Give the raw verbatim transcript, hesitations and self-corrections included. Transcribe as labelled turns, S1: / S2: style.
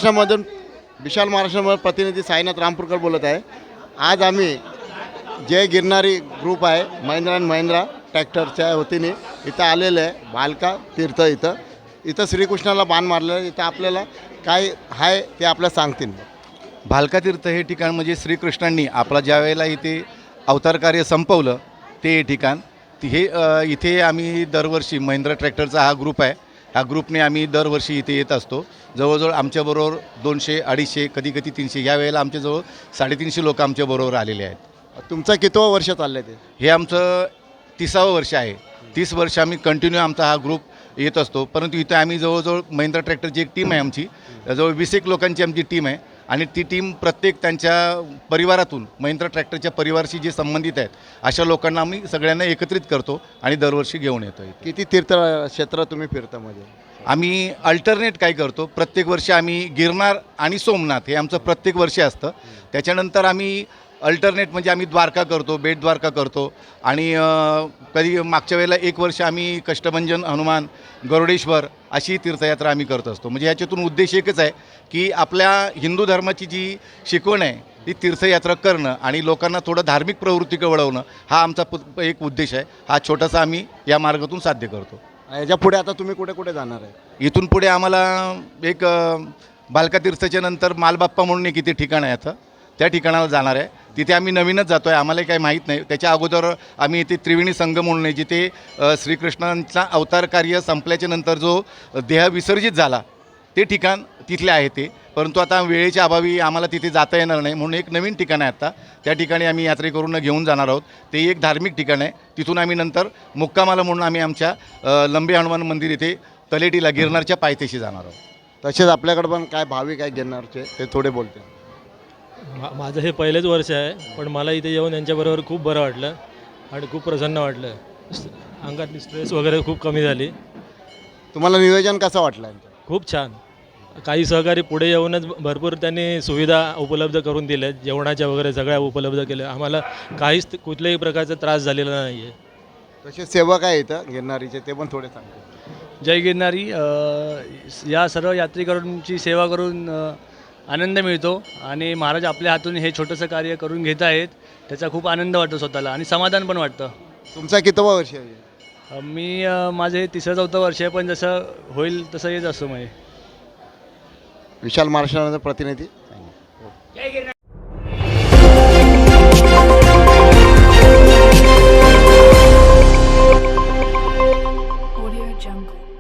S1: महाराष्ट्रामधून विशाल महाराष्ट्रामधून प्रतिनिधी साईनाथ रामपूरकर बोलत आहे। आज आम्ही जय गिरनारी ग्रुप आहे महिंद्रा अँड महिंद्रा ट्रॅक्टरच्या वतीने इथं आलेलं आहे भालका तीर्थ इथं इथं श्रीकृष्णाला बाण मारलेलं आहे। इथं आपल्याला काय आहे ते आपल्याला सांगतील।
S2: भालका तीर्थ हे ठिकाण म्हणजे श्रीकृष्णांनी आपला ज्या वेळेला इथे अवतार कार्य संपवलं ते हे ठिकाण हे इथे आम्ही दरवर्षी महिंद्रा ट्रॅक्टरचा हा ग्रुप आहे। ह्या ग्रुपने आम्ही दरवर्षी इथे येत असतो। जवळजवळ आमच्याबरोबर दोनशे अडीचशे कधी कधी तीनशे या वेळेला आमच्याजवळ साडेतीनशे लोक आमच्याबरोबर आलेले आहेत।
S1: तुमचं कितवं वर्ष चाललं आहे ते?
S2: हे आमचं तिसावं वर्ष आहे। तीस वर्ष आम्ही कंटिन्यू आमचा हा ग्रुप येत असतो। परंतु इथे आम्ही जवळजवळ महिंद्रा ट्रॅक्टरची एक टीम आहे आमची, जवळ वीस एक लोकांची आमची टीम आहे आणि ती टीम प्रत्येक त्यांच्या परिवारातून महिंद्रा ट्रॅक्टरच्या परिवाराशी जे संबंधित आहेत अशा लोकांना आम्ही सगळ्यांना एकत्रित करतो आणि दरवर्षी घेऊन येतो।
S1: किती तीर्थ क्षेत्र तुम्ही फिरता? मध्ये
S2: आम्ही अल्टरनेट काय करतो, प्रत्येक वर्षी आम्ही गिरनार आणि सोमनाथ हे आमचं प्रत्येक वर्षी असतं। त्याच्यानंतर आम्ही अल्टरनेट म्हणजे आम्ही द्वारका करतो, बेट द्वारका करतो आणि कधी मागच्या वेळेला एक वर्ष आम्ही कष्टभंजन हनुमान गरुडेश्वर अशी तीर्थयात्रा आम्ही करत असतो। म्हणजे याच्यातून उद्देश एकच आहे की आपल्या हिंदू धर्माची जी शिकवण आहे ती तीर्थयात्रा करणं आणि लोकांना थोडं धार्मिक प्रवृत्तीकडे वळवणं हा आमचा एक उद्देश आहे। हा छोटासा आम्ही या मार्गातून साध्य करतो।
S1: याच्या पुढे आता तुम्ही कुठे कुठे जाणार आहे?
S2: इथून पुढे आम्हाला एक भालका तीर्थाच्या नंतर मालबाप्पा म्हणून एक इथे ठिकाण आहे, आता त्या ठिकाणाला जाणार आहे। तिथे आम्ही नवीनच जातो आहे, आम्हाला काही माहीत नाही। त्याच्या अगोदर आम्ही इथे त्रिवेणी संगम म्हणून आहे, जिथे श्रीकृष्णांचा अवतार कार्य संपल्याच्या नंतर जो देह विसर्जित झाला ते ठिकाण तिथले आहे ते। परंतु आता वेळेच्या अभावी आम्हाला तिथे जाता येणार नाही म्हणून एक नवीन ठिकाण आहे आता, त्या ठिकाणी आम्ही यात्रेकरूंना घेऊन जाणार आहोत। ते एक धार्मिक ठिकाण आहे। तिथून आम्ही नंतर मुक्कामाला म्हणून आम्ही आमच्या लंबे हनुमान मंदिर इथे तलेटीला गिरनारच्या पायथ्याशी जाणार आहोत।
S1: तसेच आपल्याकडे पण काय भाविक आहे गिरनारचे ते थोडे बोलते।
S3: मा माझं हे पहिलेच वर्ष आहे, पण मला इथे येऊन यांच्याबरोबर खूप बरं वाटलं आणि खूप प्रसन्न वाटलं। अंगातली स्ट्रेस वगैरे खूप कमी झाली।
S1: तुम्हाला नियोजन कसं वाटलं?
S3: खूप छान। काही सहकारी पुढे येऊनच भरपूर त्यांनी सुविधा उपलब्ध करून दिल्या, जेवणाच्या वगैरे सगळ्या उपलब्ध केल्या। आम्हाला काहीच कुठल्याही प्रकारचा त्रास झालेला नाही आहे।
S1: तसे सेवक आहे इथं गिरनारीचे ते पण थोडे सांगते।
S4: जय गिरनारी। या सर्व यात्रेकरूंची सेवा करून आनंद मिळतो आणि महाराज आपल्या हातून हे छोटंसं कार्य करून घेत आहेत, त्याचा खूप आनंद वाटतो स्वतःला आणि समाधान पण वाटतं।
S1: तुमचा कितवा वर्ष आहे?
S4: मी माझं हे तिसरं चौथं वर्ष आहे, पण जसं होईल तसं येत असतो। म्हणजे
S1: विशाल महाराष्ट्राचा प्रतिनिधी।
S5: Audio Jungle.